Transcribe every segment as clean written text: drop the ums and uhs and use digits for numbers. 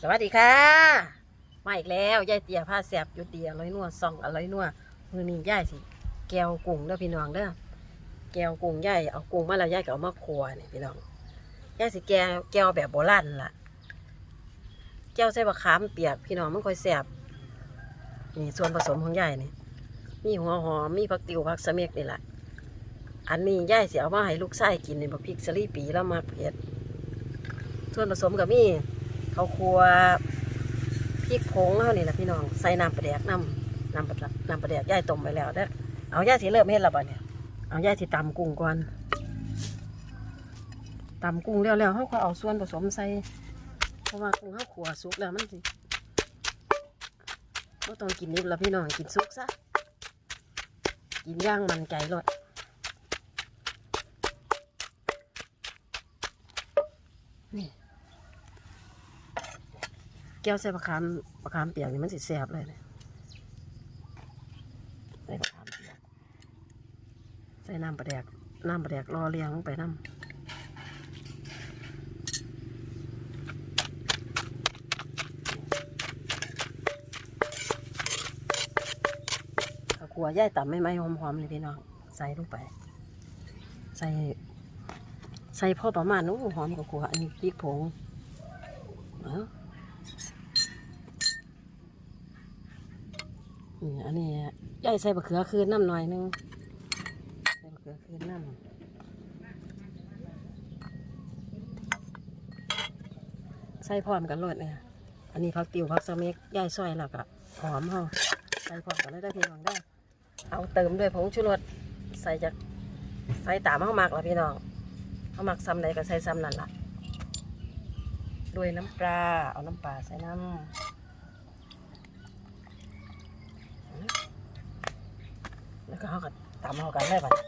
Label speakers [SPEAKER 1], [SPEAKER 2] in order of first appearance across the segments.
[SPEAKER 1] สวัสดีค่ะมาอีกแล้วยายเตี๋ยผ้าแสบอยู่เตี๋ยร้อยนัวซองอร่อยนัวมือนี้ยายสิแก้วกุ้งเด้อพี่น้องเด้อแก้วกุ้งยายเอากุ้งมาแล้วยายก็เอามาคั่วนี่พี่น้องยายสิแก้วแบบโบราณล่ะแก้วใส่บะขามเปียกพี่น้องมันค่อยแสบนี่ส่วนผสมของยายนี่มีหัวหอมมีผักติ๋วผักสะเม็กนี่แหละอันนี้ยายสิเอามาให้ลูกชายกินนี่บักพริกสลีปีแล้วมาเผ็ดส่วนผสมก็มีข้าวคั่วพริกผงเท่านี้แหละพี่น้องใส่น้ำปลาแดกน้ำปลาแดกย่ายต้มไปแล้วเด้อเอาย่ายสิเริ่มเฮ็ดแล้วบ่เนี่ยเอาย่ายสิตำกุ้งก่อนตำกุ้งแล้วเขาก็เอาส่วนผสมใส่เพราะว่ากุ้งเขาขั่วสุกแล้วมันสิก็ต้องกินนิดละพี่น้องกินสุกซะกินย่างมันไก่รสนี่แก้วใส่บะขามเปียกนี่มันสิแซ่บเลยเนี่ยใส่บะขามเปียกใส่น้ำปลาแดกรอเลี้ยงลงไปน้ำข้าวคั่วย่ายต่ำไม่หอมๆเลยพี่น้องใส่ลงไปใส่พอประมาณนู้หอมข้าวคั่วอันนี้พริกผงอันนี้ย่ายใส่บะเขือคืนน้ำหน่อยนึงใส่บะเขือคืนน้ำใส่พร้อมกันรสเนี่ยอันนี้ผักติ๋วผักสะเม็กย่ายซอยแล้วก็หอมเฮาใส่พร้อมกันเลยได้พี่น้องได้เอาเติมด้วยผงชูรสใส่ตามเฮามักละพี่น้องเฮามักซ้ำใดก็ใส่ซ้ำนั่นล่ะด้วยน้ำปลาเอาน้ำปลาใส่น้ำแล้วก็เขาก็ตำเขากันได้ป่ะ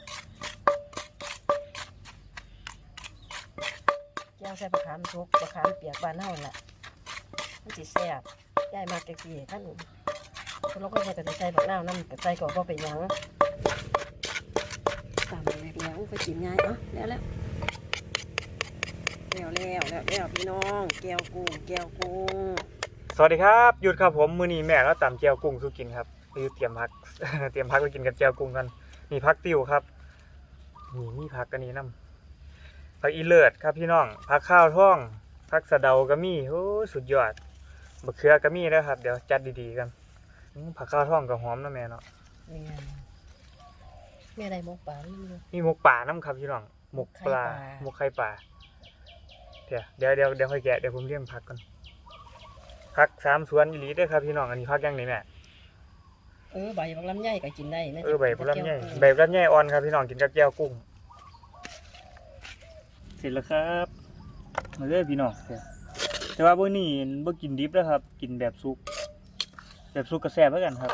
[SPEAKER 1] แก้วใส่บะขามทุกบะขามเปียกบานเท่านั้นแหละมันสิแซ่บย่ายมากจังซี่ท่านคนเราก็ใส่แต่ใส่บักนาวน้ำแต่ใส่ก่อนก็ไปยังตำแล้วไปกินง่ายเนาะแล้วพี่น้องแก้วกุ้ง
[SPEAKER 2] สวัสดีครับหยุดครับผมมื้อนี้แม่แล้วตำแจ่วกุ้งสู้กินครับไปเตรียมพัก เตรียมพักไปกินกับแจ่วกุ้งกันมีพักติ๋วครับนี่มีพักกันนี้นำพักอีเลิศครับพี่น้องพักข้าวท่องพักสะเดาก็มีโอ้สุดยอดบะเขือก็มีแล้วครับเดี๋ยวจัดดีๆกันผักข้าวท่องกับหอมนะแม่เนาะ
[SPEAKER 1] มีอะไรมกป่า
[SPEAKER 2] มีหมกป่าน้ำครับพี่น้องหมกปลาหมกไข่ปลาเดี๋ยวค่อยแกะเดี๋ยวผมเลี้ยงผักก่อนผัก3 สวนอีหลีด้วยครับพี่น้องอันนี้ผักยังไงแม่
[SPEAKER 1] ใบบักลำไยก็กินได้
[SPEAKER 2] ใบบักลำไยอ่อนครับพี่น้องกินกับแก้วกุ้งเสร็จแล้วครับมาเลยพี่น้องแต่ว่ามื้อนี้บ่กินดิบแล้วครับกินแบบสุกก็แซ่บเหมือนกันครับ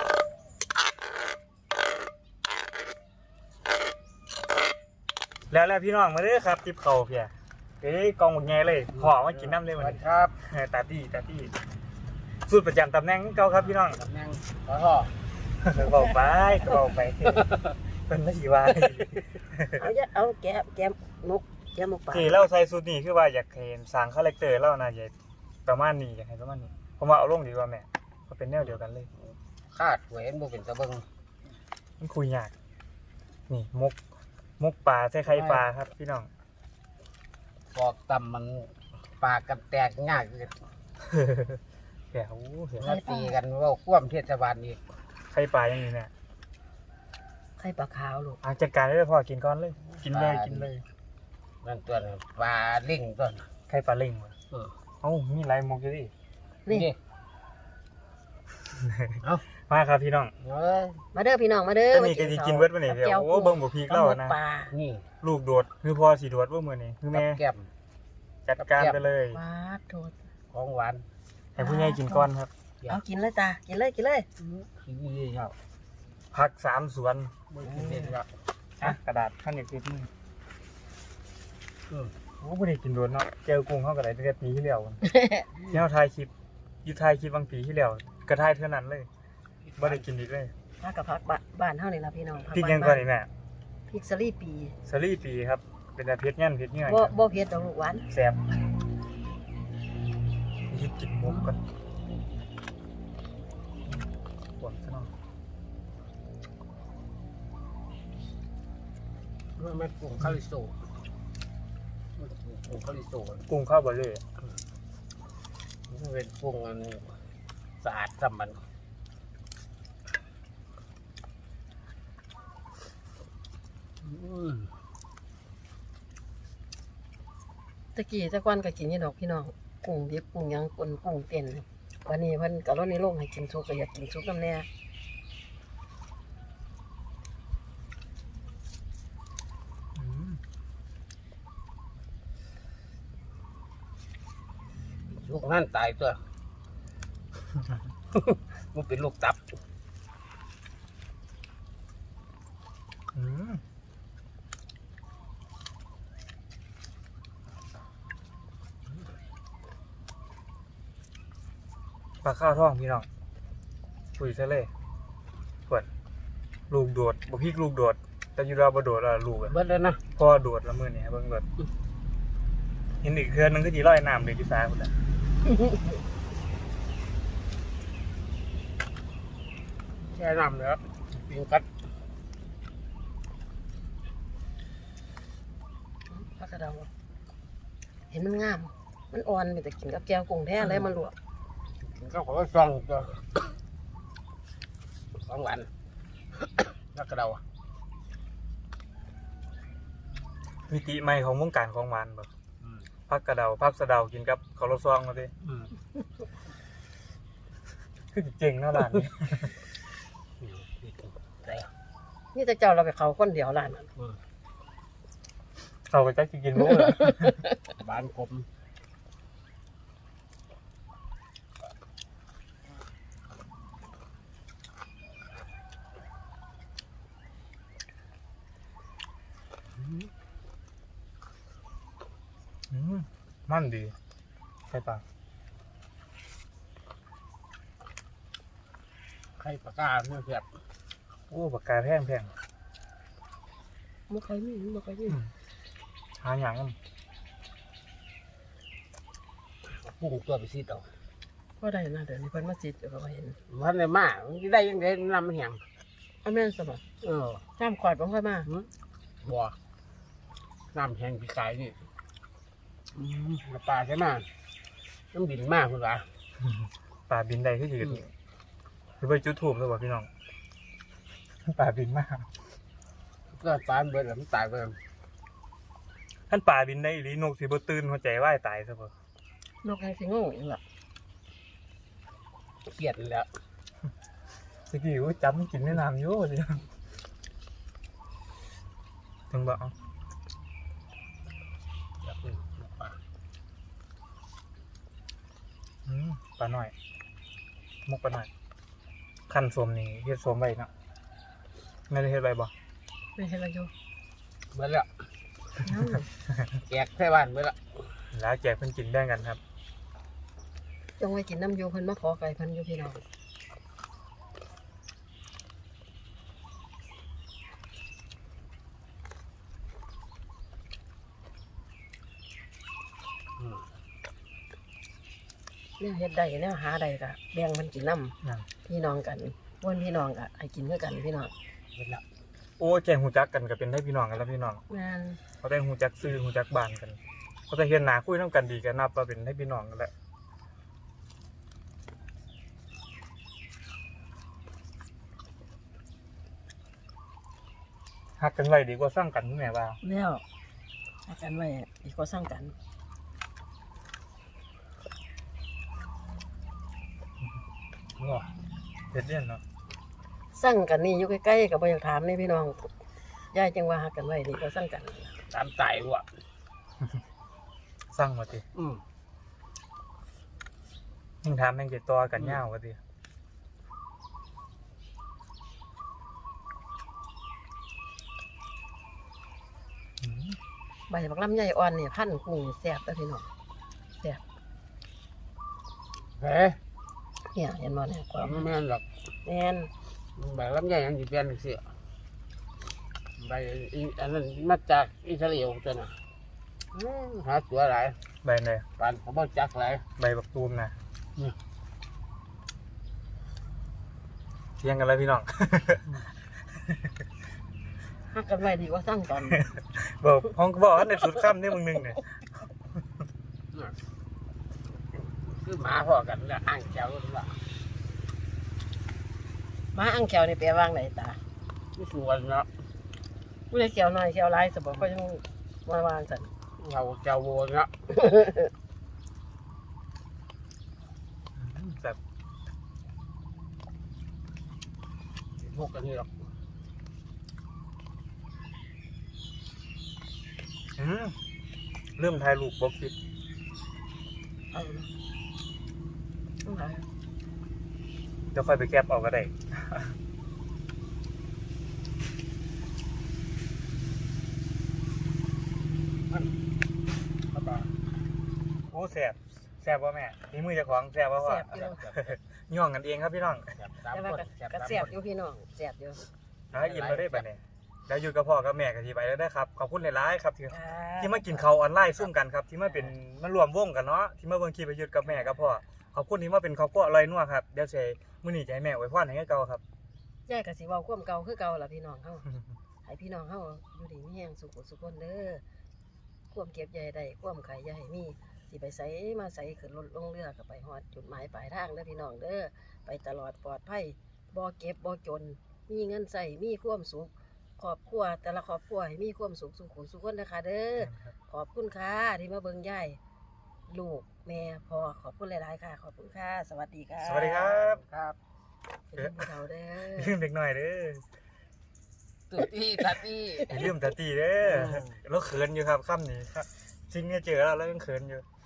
[SPEAKER 2] แล้วพี่น้องมาเลยครับติบเข่าเพียกองหมดไงเลยห่อมากินน้ำเลยวันนี้ครับตาตี้สูตรประจำตำแหน่งเก่าครับพี่น้อง
[SPEAKER 3] ตำแหน่งห่อ
[SPEAKER 2] บอกไปเป็นไม่กี่วัน
[SPEAKER 1] เอาแกมมกปลา
[SPEAKER 2] ที่เราใส่สูตรนี้คือว่าอยากเห็นสร้างคาแรคเตอร์เรานะอยากประมาณนี้อยากให้ประมาณนี้ผมว่าเอาลงดีกว่าแม่ก็เป็นแนวเดียวกันเลย
[SPEAKER 3] คาดเว้นบ่เป็นตะเบิง
[SPEAKER 2] มันคุยยากนี่มกปลาใส่ไข่ปลาครับพี่น้อง
[SPEAKER 3] ปอกตำมันปากกันแตกยากเลย
[SPEAKER 2] เดี๋ยว
[SPEAKER 3] มาตีกันว่าคว่ำเทศบาลอีก
[SPEAKER 2] ไข่ปลาอย่างนี้เนี่ย
[SPEAKER 1] ไข่ปลาขาวลูก
[SPEAKER 2] จัดการได้พอกินก้อนเลยกินเลย
[SPEAKER 3] นั่นตัวปลาลิงตัว
[SPEAKER 2] ไข่ปลาลิงมีลายมกอยู่ดิ
[SPEAKER 1] นี่
[SPEAKER 2] มาครับพี่น้อง
[SPEAKER 1] มาเด้อพี่น้องมาเด้อ
[SPEAKER 2] นี่ก็สิกินเบิดมื้อนี้เดี๋ยวเบิ่งบ่พีกแล้วนะ
[SPEAKER 3] นี่
[SPEAKER 2] ลูกโดดคือพ่อสิโดดว่ามื้อนี้คือแม่
[SPEAKER 3] แก้ม
[SPEAKER 2] จัดการไปเลย
[SPEAKER 1] หวานโดด
[SPEAKER 3] ของหวาน
[SPEAKER 2] ให้ผู้ใหญ่กินก่อนครับ
[SPEAKER 1] เอากินเลยตากินเลย
[SPEAKER 3] นี่ครับ
[SPEAKER 2] ผัก3 สวนกระดาษขั้นติดมือบ่ได้กินโดนเนาะแก้วกุ้งเฮาก็ได้ตั้งแต่ปีที่แล้วที่เฮาถ่ายคลิปบางปีที่แล้วก็ถ่ายเท่านั้นเลยบ่ได้กินอีกเลย
[SPEAKER 1] ผักกับผักบ้านเฮานี่ล่ะพี่น้อง
[SPEAKER 2] พริกยังก่อนนี่แม่
[SPEAKER 1] พริกสลีปี
[SPEAKER 2] ครับเป็นแต่เผ็ดเงี้ย
[SPEAKER 1] บ่เผ็ดดอกลูกหวาน
[SPEAKER 2] แซ่บหยิบกินมุกก่อนปวดซะหน่อย
[SPEAKER 3] มันไม่กุ้งคาริโซกุ้งคาริโซ
[SPEAKER 2] กุ้งข้าวบะเล่
[SPEAKER 3] มันเป็นกุ้งอันสะอาดสำมัน
[SPEAKER 1] ตะกี้ตะก้อนก็กินนี่ดอกพี่น้องกุ้งดิบกุ้งหยังกุ้งเต้นวันนี้เพิ่นก็ลดในโลกให้กินซุปก็อยากกินซุปน้ำแน่
[SPEAKER 3] ลูกนั่นตายตัว มันเป็นลูกตับ
[SPEAKER 2] อืมปลาข้าวท่องพี่น้องปุ๋ยทะเลปวดลูกโดดบ่พี่ลูกโดด แต่อยูราบ่โดดอะลูกอะ
[SPEAKER 3] เบิดแล้วนะ
[SPEAKER 2] พ่อโดดละมือนี่เบิ่งโดดเห็นอีกเครือนึงก็จีร้อยน้ำเลยที่ซ้ายพุ่นแหละ
[SPEAKER 3] แช่น้ำแล้วปิงกัด
[SPEAKER 1] ผักกระเดาเห็นมันงาม มันอ่อนมีแต่กินกับแก้วกุ้งแท้เลยมันลวก
[SPEAKER 3] กินก็ขอซองตัว2 วันแล้วก็เรา
[SPEAKER 2] มิติใหม่ของวงการของหวานแบบพักกระเดาพักสะเดากินกับข้าวโรซองมาดิคือเจ๋งเนาะร้านนี้
[SPEAKER 1] นี่แต่เจ้าเราไปเขาคนเดียวร้านนั้น
[SPEAKER 2] เขาก็จะกินรู้เหรอ
[SPEAKER 3] บ้านกลม
[SPEAKER 2] มันดีใช่ปะ
[SPEAKER 3] ไข่ปลากาเนื้อเสียบ
[SPEAKER 2] โอ้ปากกาแพง
[SPEAKER 1] มันใครมีมันใครมี
[SPEAKER 2] หาอย่างนั้น
[SPEAKER 3] กุ้งตัวไปซีดเอา
[SPEAKER 1] ก็ได้นะเดี๋ยวนี้เพิ่นมาจิตอยู่ก็เห็น
[SPEAKER 3] วันไหนมามันได้ยังไงน้ำมันแห้ง
[SPEAKER 1] เอาแม่นสมะ
[SPEAKER 3] เออ
[SPEAKER 1] น้ำขวดบ่ค่อยมา
[SPEAKER 3] บัวน้ำแห้งพี่กายนี่น้ำปลาใช่ไหมน้ำบินมากคุณวะ
[SPEAKER 2] ป่าบินใดที่ยืนหรือไปจุดถูกหรือเปล่าพี่น้องป่าบินมาก
[SPEAKER 3] ก็ปลาเบิดแล้วมันตายไป
[SPEAKER 2] ท่านป่าบินได้อีหลีนกสีบตื่นหัวใจว่ายตายซะเปล่าน
[SPEAKER 1] กแห้งสิโง่อีกล่ะ
[SPEAKER 3] เครียดแล้ว
[SPEAKER 2] สกี้ว่าจำกินในน้ำอยู่สิถึงบอกเอา
[SPEAKER 3] อยากกินปลา
[SPEAKER 2] ปลาหน่อยมุกปลาหน่อยขั้นสมนี่เฮ็ดสมไว้เนาะไม่ได้เฮ็ดไว้บ่
[SPEAKER 1] ไม่เห็นอะไรอยู่
[SPEAKER 3] เบิดแล้ว
[SPEAKER 1] น้ำ
[SPEAKER 3] แจกใส่บ้านเบิดแล้ว
[SPEAKER 2] แล้วแจกเพิ่นกินแบ่งกันครับ
[SPEAKER 1] จงไว้กินน้ำโยเพิ่นมาขอไก่เพิ่นอยู่พี่น้อง เนี่ยเฮ็ดได้เนี่ยหาได้ก็แบ่งมันกินน้
[SPEAKER 2] นั่น
[SPEAKER 1] ำพี่น้องกันวนพี่น้องก็ให้กินด้วยกันพี่น้อง
[SPEAKER 3] เบิดแล้ว
[SPEAKER 2] โอ้แจงหูจักกันก็เป็นได้พี่น้องกันแล้วพี่น้อง
[SPEAKER 1] งาน
[SPEAKER 2] เขาได้หูจักซื้อหูจักบ้านกันเขาจะเห็นหน้าคุยนำกันดีกันนับว่าเป็นได้พี่น้องกันแหละฮักกันไว้ดีกว่าสร้างกันแม่ว่า
[SPEAKER 1] แล้วอากันไว้ดีกว่าสร้างกัน
[SPEAKER 2] เฮ็ดเรียนเนาะ
[SPEAKER 1] สร้างกันนี่อยู่ใกล้ๆกับบ่อยากถามนี่พี่น้องยายจังว่าหักกันไว้ดีกว่าสร้างกัน
[SPEAKER 3] ตามตายว่ะ
[SPEAKER 2] สร้างมาติ
[SPEAKER 3] อืม
[SPEAKER 2] ยิ่งถามแม่งจะต่อกันยาวว่าติ
[SPEAKER 1] ใบบักลำไยอ่อนเนี่ยพันกุ้งแซ่บแล้วพี่น้องแซ่บ
[SPEAKER 3] เฮ้ย
[SPEAKER 1] เนี่ยเห็นบ่เนี่ยความ
[SPEAKER 3] ไม่แม่นหรอก
[SPEAKER 1] แม่น
[SPEAKER 3] แบบลำไยยังสิเปลี่ยนเสียใบอันนั้นมาจากอิสราเอลตัวน่ะหาตัวหลาย
[SPEAKER 2] ใบเลย
[SPEAKER 3] ปานเขาบอกจักไร
[SPEAKER 2] ใบบักตูมนะ
[SPEAKER 3] นี่
[SPEAKER 2] เที่ยงกันเลยพี่น้อง
[SPEAKER 1] หักกันไว้ดีกว่าสร้างกัน
[SPEAKER 2] บอกห้องก็บอกว่าในสุดค่ำนี่มึงนึงเนี่ย
[SPEAKER 3] คือหมาพอกันแล้วอ่างแก้วกันละ
[SPEAKER 1] มาอังแขวนี่แปลว่าไหนตา
[SPEAKER 3] ที่สวนเนาะ
[SPEAKER 1] ผู้ใดแขวน้อยแขวหลายสมบอกก็ยังมาวางสัน
[SPEAKER 3] เราแก้วโวนเนาะ
[SPEAKER 2] แบบ
[SPEAKER 3] พวกกันนี่หรอก
[SPEAKER 2] เริ่มถ่ายรูปบอกคิด
[SPEAKER 1] เอาเอาหา
[SPEAKER 2] เดี๋ยวค่อยไปแคปเอาก็ได้
[SPEAKER 3] ครับ
[SPEAKER 2] โอ้แสบว่าแม่นี่มือเจะของแสบว่าพ่อ
[SPEAKER 1] แสบอยู่
[SPEAKER 2] ย่องกันเองครับพี่น้อง
[SPEAKER 1] แต่ว่าก็แสบอยู่พี่น้องแสบอยู่
[SPEAKER 2] แล้วยินเราได้แบบนี้แล้วอยู่กับพ่อกับแม่กับที่ไปแล้วได้ครับขอบคุณหลายๆครับที่
[SPEAKER 1] ค่ะ
[SPEAKER 2] ที่มากินข้าวออนไลน์ซุ่มกันครับที่มาเป็นมารวมวงกันเนาะที่มาเบิ่งคลิปประยุทธ์กับแม่กับพ่อขอบคุณที่มาเป็นครอบครัวอร่อยนัวครับเดี๋ยวเชมื้อนี้จะให้แม่อวยพรให้เก่าครับ
[SPEAKER 1] ยายก็สิเว้าความเก่าคือเก่าล่ะพี่น้องเฮาให้พี่น้องเฮาอยู่ดีมีแรงสุขสุขคนเด้อความเก็บใหญ่ได้ความขายใหญ่มีสิไปไสมาไสขึ้นรถลงเรือก็ไปฮอดจุดหมายปลายทางเด้อพี่น้องเด้อไปตลอดปลอดภัยบ่เก็บบ่จนมีเงินใส่มีความสุขครอบครัวแต่ละครอบครัวให้มีความสุขสุขสุขคนนะคะเด้อขอบคุณค่ะที่มาเบิ่งยายลูกแม่พ่อขอบคุณหลายๆค่ะ ขอบคุณค่ะสวัสดีค่ะ
[SPEAKER 2] สวัสดีครับ
[SPEAKER 3] ครับ
[SPEAKER 1] เป็นผู้เฒ่าเด้อ
[SPEAKER 2] ลืมเด็กหน่อยเด้อ
[SPEAKER 3] ตุ๊ตี้ตัดตี้
[SPEAKER 2] อย่าลืมตาตีเด้อแล้วเขินอยู่ครับค่ำนี้ครับจริงเนี่ยเจอแล้วยังเขินอยู่